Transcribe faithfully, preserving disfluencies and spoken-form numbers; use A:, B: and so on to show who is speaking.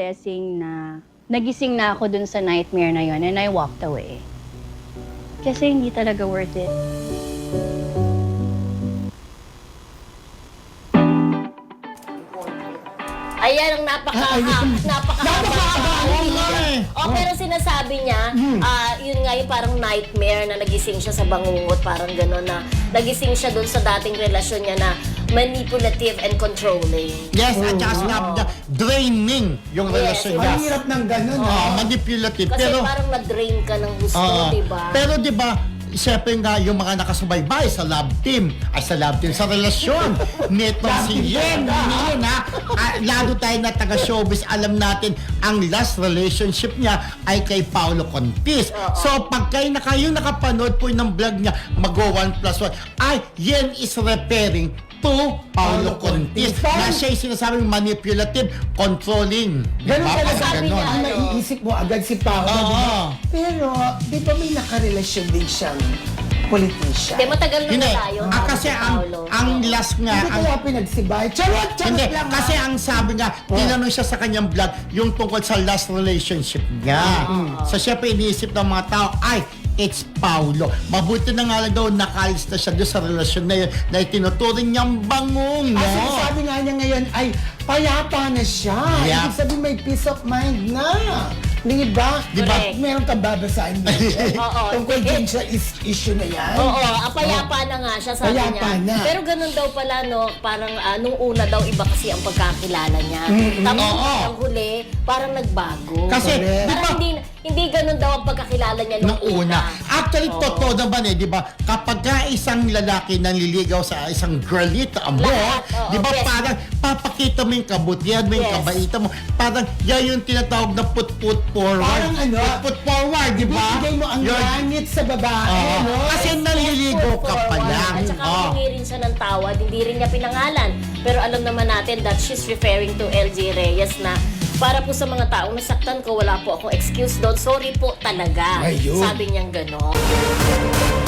A: blessing na nagising na ako dun sa nightmare na yon and I walked away. Kasi hindi talaga worth it.
B: Ayan ang napaka-ha, napaka-haba. O, pero sinasabi niya, ah, yun nga yung parang nightmare na nagising siya sa bangungot, parang gano'n na nagising siya dun sa dating relasyon niya na manipulative and controlling.
C: Yes, at saka sinabi niya, draining yung
B: Yes,
C: relasyon
B: yes.
C: niya.
D: Ang hirap ng ganun,
C: Oo,
D: ah.
C: manipulative.
B: Kasi
C: pero,
B: parang na-drain ka ng gusto,
C: Oo.
B: di ba?
C: Pero di ba, siyempre nga yung mga nakasubaybay sa love team, ay sa love team, sa relasyon, nitong si Yen, Yen ha, ah, lalo tayo na taga-showbiz, alam natin, ang last relationship niya ay kay Paolo Contis. So, pag kayo na kayo nakapanood po ng vlog niya, mag-go one plus one, ay, Yen is referring to Paolo Contis. Na siya yung sinasabing manipulative, controlling.
D: Ganun
C: Diba?
D: talaga.
C: Parang
B: Sabi
C: ganon.
B: niya,
D: Ang naiisip mo agad si Paolo.
C: Oo.
D: di ba? Pero, di ba may nakarelasyon din siyang politician?
B: Hindi, matagal na
C: Hindi.
B: na tayo.
C: Ah, kasi ang, ang last nga,
D: Hindi
C: ang,
D: kaya pinagsibay. Charot! Charot
C: hindi,
D: lang,
C: kasi
D: ha?
C: ang sabi nga, tinanong siya sa kanyang vlog, yung tungkol sa last relationship niya. So, syempre, iniisip ng mga tao, ay, it's Paolo. Mabuti na nga lang daw, nakalis na siya doon sa relasyon na yun, na itinuturing niyang bangong, no?
D: Ang sinasabi nga niya ngayon ay payapa na siya.
C: Yeah.
D: Ibig sabihin may peace of mind na. Di ba?
C: Di ba?
B: Correct.
D: Meron kang babasahin mo.
B: Oo.
D: Tungkol din sa is- issue na yan.
B: Oo, ah, payapa na nga siya, sabi
D: Payapa
B: niya.
D: na.
B: Pero ganun daw pala, no, parang ah, nung una daw, iba kasi ang pagkakilala niya. Tapos
C: Oo.
B: ang huli, parang nagbago.
C: Kasi,
D: Correct.
C: di
B: Parang
C: ba,
B: hindi, hindi ganun daw ang pagkakilala niya nung,
C: nung una. Actually,
B: Oo.
C: totoo naman eh, di ba? Kapag ka isang lalaki nanliligaw sa isang girlita mo,
B: Lahat, oo,
C: di ba
B: best.
C: parang papakita mo yung kabutihan mo, yung
B: Yes.
C: kabaitan mo. Parang yan yung tinatawag na put-put forward.
D: Parang ano?
C: Put-put forward, di ba?
D: Bibigay mo ang
C: Yun.
D: langit sa babae,
C: Oo.
D: no?
C: Kasi nanliligaw ka pa
B: forward.
C: lang.
B: At saka
C: Oo.
B: humingi rin siya ng tawad, hindi rin niya pinangalan. Pero alam naman natin that she's referring to L J Reyes na para po sa mga taong nasaktan ko, wala po akong excuse doon. Sorry po talaga.
D: Ayun.
B: Sabi niyang gano'n.